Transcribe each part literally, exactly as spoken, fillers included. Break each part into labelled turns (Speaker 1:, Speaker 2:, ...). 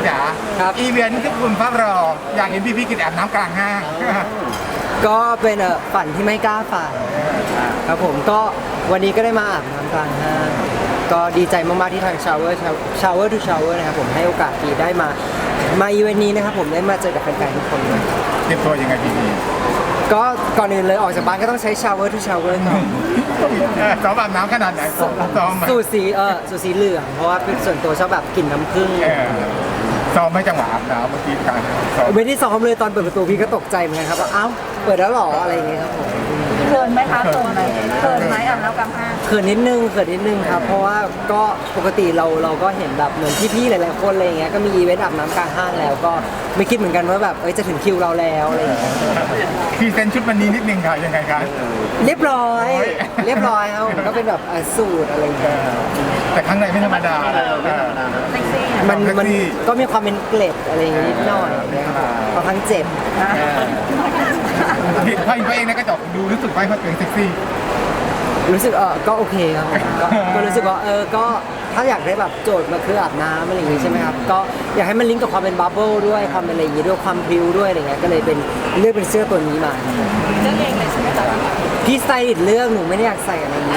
Speaker 1: จ๋าครับอีเวนต์ที่คุณฟ้ารออยากเห็นพี่พี่กินอาบน้ำกลางห้าง
Speaker 2: ก็เป็นเออฝันที่ไม่กล้าฝันครับผมก็วันนี้ก็ได้มาอาบน้ำกลางห้างก็ดีใจมากๆที่ทาง Shower Shower to Shower นะครับผมให้โอกาสดีได้มามาอีเวนต์นี้นะครับผมได้มาเจอกับแฟนๆทุกคนเลย
Speaker 1: เตรียมตัวยังไงพี่พี่
Speaker 2: ก็ก่อนอื่นเลยออกจากบ้านก็ต้องใช้ Shower to Shower ก่อน
Speaker 1: ซ้อมอาบน้ำขนาดไหนซ้อม
Speaker 2: สูตรสีเออสูตรสีเหลืองเพราะว่าเป็นส่วนตัวชอบแบบกลิ่นน้ำผึ้ง
Speaker 1: ซ้อมไม่จังหวะอาบน้ำเมื่อกี้การซ้อม
Speaker 2: ไม่ได้ซ้อมเลยตอนเปิดประตูพี่ก็ตกใจเหมือนกันครับว่าอ้าวเปิดแล้วหรออะไรอย่างเงี้ยครับผม
Speaker 3: เขินไหมคะเขินไหมเขินไหมอาบน้ำกลางห้าง
Speaker 2: เขินนิดนึงเขินนิดนึงครับเพราะว่าก็ปกติเราเราก็เห็นแบบเหมือนพี่ๆหลายๆคนอะไรอย่างเงี้ยก็มีอีเวนต์อาบน้ำกลางห้างแล้วก็ไม่คิดเหมือนกันว่าแบบเอ้ยจะถึงคิวเราแล้วอะไรอย่างเงี้ย
Speaker 1: พี่เซนชุดวันนี้นิดนึงค่ะยังไงครับ
Speaker 2: เรียบร้อยเรียบร้อยครับก็เป็นแบบสูตรอะไรอย่างเงี้ย
Speaker 1: แต่ข้างในไม่ธรรมดา
Speaker 2: มันมันก็มีความเป็นเกล็ดอะไรอย่างงี้นิดหน่อยนะครับพอทั้งเจ็บ
Speaker 1: เห็นพ่อเองในกระจกดูรู้สึกไปเขาเป็นเซ็กซี่
Speaker 2: รู้สึกเออก็โอเคครับก็รู้สึกว่าเออก็ถ้าอยากได้แบบโจทย์มาคืออาบน้ำอะไรอย่างงี้ใช่ไหมครับก็อยากให้มันลิงก์กับความเป็นบับเบิ้ลด้วยความเป็นอะไรอย่างงี้ด้วยความพริ้วด้วยอะไรเงี้ยก็เลยเป็นเลือกเป็นเสื้อตัวนี้มา
Speaker 3: เลือกเองเลยใช่ไหมจ๊ะ
Speaker 2: พี่สไตลิสต์เลือกหนูไม่ได้อยากใส่อะไรนี้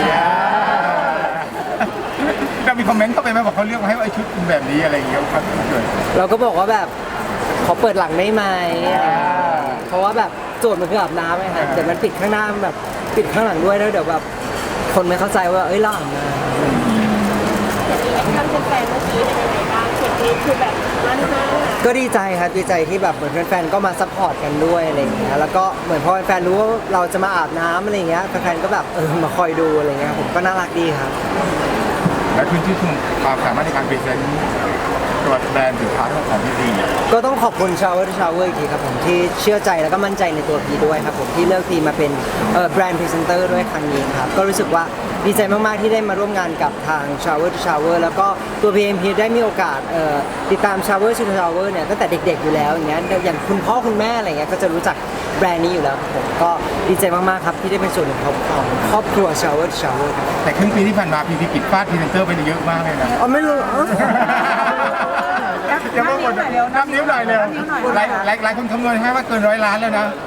Speaker 1: เรามีคอมเมนต์เข้าไปไหมบอกเขาเลือกมาให้ไอ้ชุดแบบนี้อะไรอย่างเงี้ยครับ
Speaker 2: เราก็บอกว่าแบบขอเปิดหลังได้ไหมเพราะว่าแบบโจทย์มันคืออาบน้ำไงครับแต่มันปิดข้างหน้าแบบปิดข้างหลังด้วยแล้วเดี๋ยวแบบคนไม่เข้าใจว่าเอ้ยเราอาบน้ำ
Speaker 3: ท่านแฟนเมื่อกี้เป็นยังไงบ้างเสียงนี้คือแบบมั่นมาก
Speaker 2: ก็ดีใจครับดีใจที่แบบเหมือนแฟนๆก็มาซัพพอร์ตกันด้วยอะไรอย่างเงี้ยแล้วก็เหมือนพอแฟนๆรู้ว่าเราจะมาอาบน้ำอะไรอย่างเงี้ยแฟนๆก็แบบเออมาคอยดูอะไรเงี้ยผมก็น่ารักดีครับ
Speaker 1: และคุณที่คุณความสามารถในการพรีเซนต์ตัวแบรนด์สินค้าของพี่ดี
Speaker 2: ก็ต้องขอบคุณ Shower to Shower อีกทีครับผมที่เชื่อใจแล้วก็มั่นใจในตัวพีด้วยครับผมที่เลือกพีมาเป็นแบรนด์พรีเซนเตอร์ด้วยครั้งนี้ครับก็รู้สึกว่าดีใจมากๆที่ได้มาร่วมงานกับทาง Shower to Shower แล้วก็ตัว พี เอ็ม พี ได้มีโอกาสติดตาม Shower to Shower เนี่ยตั้งแต่เด็กๆอยู่แล้วอย่างเงี้ยอย่างคุณพ่อคุณแม่อะไรเงี้ยก็จะรู้จักแบรนด์นี้อยู่แล้วครับผมก็ดีใจมากๆครับที่ได้เป็นส่วนหนึ่งของครอบครัว Shower to Shower
Speaker 1: แต่ครึ่งปีที่ผ่านมาพีพีกิจฟาดพรีเซนเตอร์ไปเยอะมากเลยนะ
Speaker 2: อ๋อไม่รู้
Speaker 1: อย่ามาบ่นน้ำนิ้วหน่อยเลยหลายหลายหลายคนคำนวณให้ว่าเกินร้อยล้านแล้วนะ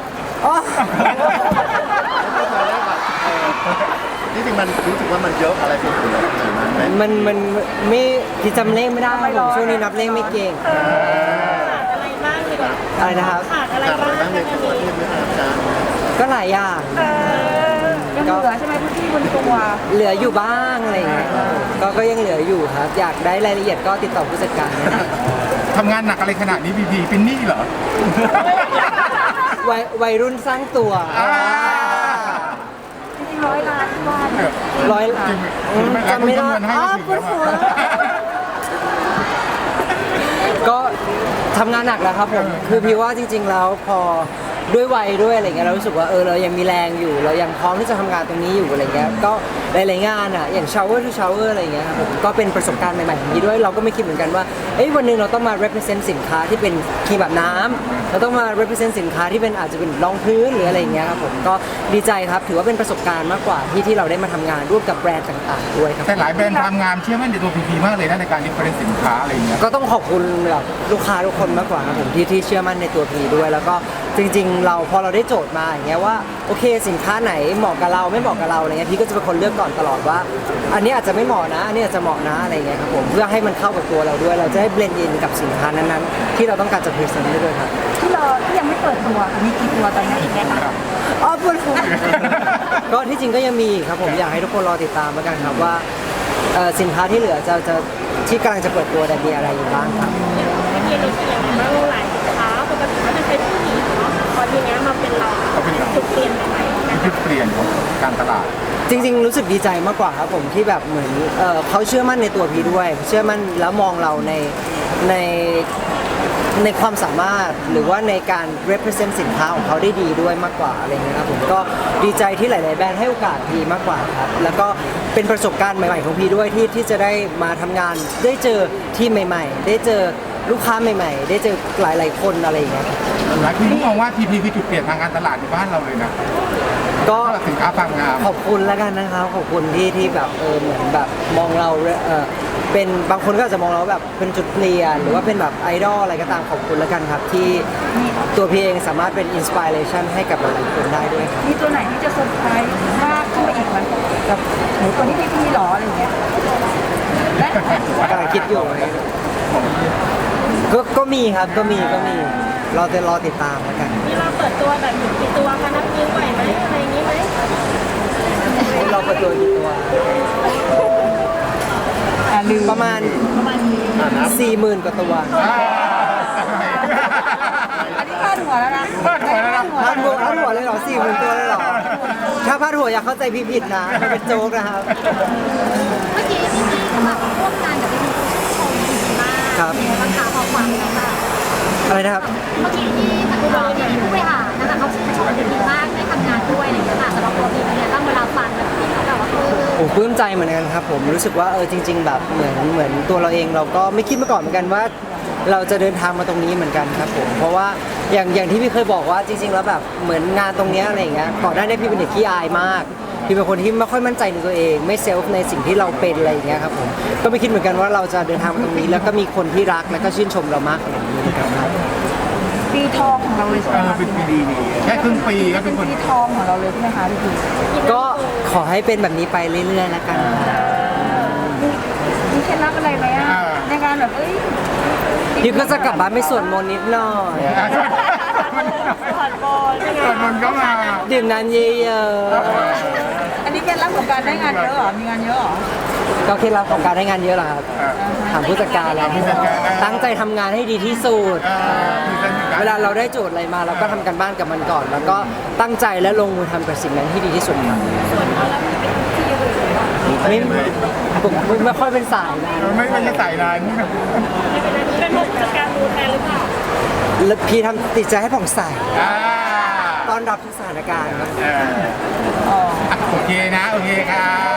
Speaker 4: นี่จริงมันรู้สึกว่ามันเยอะอะไรเป็นตัว
Speaker 2: มันมันไม่ที่จำเลขไม่ได้ผมช่วงนี้นับเลขไม่เก่ง
Speaker 3: อะไรบ้างดีกว่า
Speaker 2: อะไรนะครับ
Speaker 3: ขาดอะไรบ้าง
Speaker 2: ก็หลายอย่าง
Speaker 3: ยังเหลือใช่ไหมพื้นที่บนตัว
Speaker 2: เหลืออยู่บ้างอะไรอย่างเงี้ยก็ก็ยังเหลืออยู่ครับอยากได้รายละเอียดก็ติดต่อผู้จัดการ
Speaker 1: ทำงานหนักอะไรขนาดนี้พีพีเป็นหนี้เหรอ
Speaker 2: วัยวัยรุ่นสร้างตัว
Speaker 3: จริงร้อยล้านบ้าน
Speaker 2: ร้อยล้านจำไม่ได้อ๋อปวดหัวก็ทำงานหนักแล้วครับผมคือพี่ว่าจริงๆแล้วพอด้วยวัยด้วยอะไรเงี้ยเรารู้สึกว่าเออเรายังมีแรงอยู่เรายังพร้อมที่จะทำงานตรงนี้อยู่อะไรเงี้ยก็หลายๆงานอ่ะอย่าง shower to shower อะไรเงี้ยครับผมก็เป็นประสบการณ์ใหม่ๆอย่างนี้ด้วยเราก็ไม่คิดเหมือนกันว่าเอ้ยวันนึงเราต้องมา represent สินค้าที่เป็นครีมแบบน้ำเราต้องมา represent สินค้าที่เป็นอาจจะเป็นรองพื้นหรืออะไรเงี้ยครับผมก็ดีใจครับถือว่าเป็นประสบการณ์มากกว่าที่ที่เราได้มาทำงานร่วมกับแบรนด์ต่างๆด้วยครับ
Speaker 1: แต่หลายแบรนด์ทำงานเชื่อมั่นในตัวพีพีมากเลยนะในการ represent สินค้าอะไรเงี้ย
Speaker 2: ก็ต้องขอบคุณแบบลูกค้าทุกคนมากกว่าครับผมที่ที่เชื่อมั่นในตัวพีด้วยแล้วก็จริงๆเราพอเราได้โจทย์มาอย่างเงี้ยว่าโอเคสินค้าไหนเหมาะกับเราไม่เหมาะกับเราอะไรเงี้ยพี่ก็จะเป็นคนเลือกก่อนตลอดว่าอันนี้อาจจะไม่เหมาะนะอันนี้อาจจะเหมาะนะอะไรเงี้ยครับผมเพื่อให้มันเข้ากับตัวเราด้วยเราจะได้เบลนด์อินกับสินค้านั้นๆที่เราต้องการจะพรีเซนต์ได้ด้วยครับ
Speaker 3: ที่เราที่ยังไม่เปิดตัวมีกี่ตัวตอนนี้อีกไหมคะ
Speaker 2: อ๋อปวดหัวก็ที่จริงก็ยังมีครับผมอยากให้ทุกคนรอติดตามแล้วกันครับว่าสินค้าที่เหลือจะจะที่กำลังจะเปิดตัวแต่มีอะไรอยู่บ้างครับ
Speaker 3: มีอะไรที่ยังไม่รู้หลายสินค้าปกติก็จะเป็นผู้หญิงเนาะพอทีนี้มาเป็นเราจุดเปลี่ยนใหม่
Speaker 1: จุดเปลี่ยนของการตลาด
Speaker 2: จริงๆรู้สึกดีใจมากกว่าครับผมที่แบบเหมือนเอ่อเขาเชื่อมั่นในตัวพีด้วยเชื่อมั่นแล้วมองเราในในในความสามารถหรือว่าในการ represent สินค้าของเขาได้ดีด้วยมากกว่าอะไรเงี้ยครับผมก็ดีใจที่หลายๆแบรนด์ให้โอกาสพีมากกว่าครับแล้วก็เป็นประสบการณ์ใหม่ๆของพีด้วยที่ที่จะได้มาทำงานได้เจอทีมใหม่ๆได้เจอลูกค้าใหม่ๆได้เจอหลายๆคนอะไรอย่างเงี้ย
Speaker 1: หลายคนมองว่าพีพีคือจุดเปลี่ยนทางการตลาดในบ้านเราเลยนะ
Speaker 2: ก็
Speaker 1: สินค้าความงาม
Speaker 2: ขอบคุณแล้วกันนะครับขอบคุณที่ที่แบบเออเหมือนแบบมองเราเออเป็นบางคนก็อาจจะมองเราแบบเป็นจุดเปลี่ยนหรือว่าเป็นแบบไอดอลอะไรก็ตามขอบคุณแล้วกันครับที่ตัวพี่เองสามารถเป็นอินสปิเรชันให้กับหลายๆคนได้ด้วยครับ
Speaker 5: มีตัวไหนที่จะเซอร์ไพรส์มากขึ้นไปอีกไหมแบบหนูตัวนี้พี่พี่หรออะไรอย่างเงี้ยและ
Speaker 2: กำลังคิดอยู่ก็ก็มีครับก็มีก็มีเราจะรอติดตามแล้วกัน
Speaker 3: มีเราเปิดตัวแบบกี่ตัวคะนับนิ้วไหวไหมอะไรอย่างนี้ไหม
Speaker 2: เราเปิดตัวกี่ตัว
Speaker 5: อ่าลืม
Speaker 2: ประมาณ
Speaker 5: ประมาณนี้
Speaker 2: สี่หมื่นกว่าตัว
Speaker 5: อันนี้พลาดหัวแล้วนะ
Speaker 1: พลาดหัวแล้วนะ
Speaker 2: พาดหัวพาดหัวเลยเหรอสี่หมื่นตัวเลยเหรอถ้าพาดหัวอย่าเข้าใจพี่ผิดนะมันเป็นโจ๊กนะครับ
Speaker 3: เมื่อกี้พี่พี่แบบร่วมงานกับพี่พี่ชมดีมาก
Speaker 2: ครับ
Speaker 3: ราคาพอฟังแล้วค่ะ
Speaker 2: อะไรนะครับ
Speaker 3: เมื่อกี้ที่ทางเราเนี่ยผู้บริหารนะคะเขาชมดีมากได้ทำงานด้วยอะไรอย่างเงี้ยค่ะสำหรับตัวพี่เนี่ยต้องเวลาฟังแล้วพี่เขาแบบว่าเออ
Speaker 2: โอ้ปลื้มใจเหมือนกันครับผมรู้สึกว่าเออจริง ๆ แบบเหมือนเหมือนตัวเราเองเราก็ไม่คิดมาก่อนเหมือนกันว่า เราจะเดินทางมาตรงนี้เหมือนกันครับผมเพราะว่าอย่างอย่างที่พี่เคยบอกว่าจริง ๆ แล้วแบบเหมือนงานตรงเนี้ยอะไรอย่างเงี้ยก่อนหน้านี้พี่เป็นเด็กขี้อายมากพี่เป็นคนที่ไม่ค่อยมั่นใจในตัวเอง ไม่เซลฟ์ในสิ่งที่เราเป็นอะไรอย่างเงี้ยครับผมก็ไม่คิดเหมือนกันว่าเราจะเดินทางมาตรงนี้ แล้วก็มีคนที่รักและก็ชื่นชมเรามากขนาดนี้นะครับ
Speaker 5: ปีทองของเราเลยใช่ไห
Speaker 1: เอ
Speaker 5: ม
Speaker 1: อ
Speaker 5: คะ
Speaker 1: เป็นปีดีนี่แค่ครึ่งปีก็เป็นคน
Speaker 5: ปีทองของเราเลยใช่ไหมคะพี่พี
Speaker 2: ก็ขอให้เป็นแบบนี้ไปเรื่อยๆแล้วกันครับ
Speaker 5: มีมีเคล็ดลับอะไรไหมอะในการแบบเอ้ย
Speaker 2: พี่ก็จะกลับบ้านไปสวดมนต์นิดหน่อย
Speaker 5: ผ่อนบอล
Speaker 1: ส่วนมันก็มา
Speaker 2: ดื่มน้ำเยอะ
Speaker 5: อันนี้เคล็ดลับของการได้งานเยอะเหรอมีงานเยอะเหรอ
Speaker 2: ๆก็เคล็ดลับของการได้งานเยอะเหรอครับถามผู้จัดการแล้ว
Speaker 1: ผู้จัดการ
Speaker 2: ตั้งใจทำงานให้ดีที่สุด
Speaker 1: เออมีเส้นอยู่กัน
Speaker 2: เวลาเราได้โจทย์อะไรมาเราก็ทำกันบ้านกับมันก่อน แล้วก็ตั้งใจและลงมือทำกับสิ่งนั้นที่ดีที่สุดครับ
Speaker 3: ส่วนเราแล้วมีเป็นที่อื่นเลยเหรอ
Speaker 2: ไม่ผมไม่ไม่ค่อยเป็นสายนะ
Speaker 1: ไม่ไม่ใช่สายนั้น
Speaker 3: ไม่เป็นไรเป็นผู้จัดการดูแทนหรือเปล่า
Speaker 2: แล้วพี่ทำติดใจให้ผ่องใส
Speaker 1: อ่า
Speaker 2: ต้อนรับทุกสถานการณ์ครับ
Speaker 1: เอออ่ะโอเคนะ โอเคครับ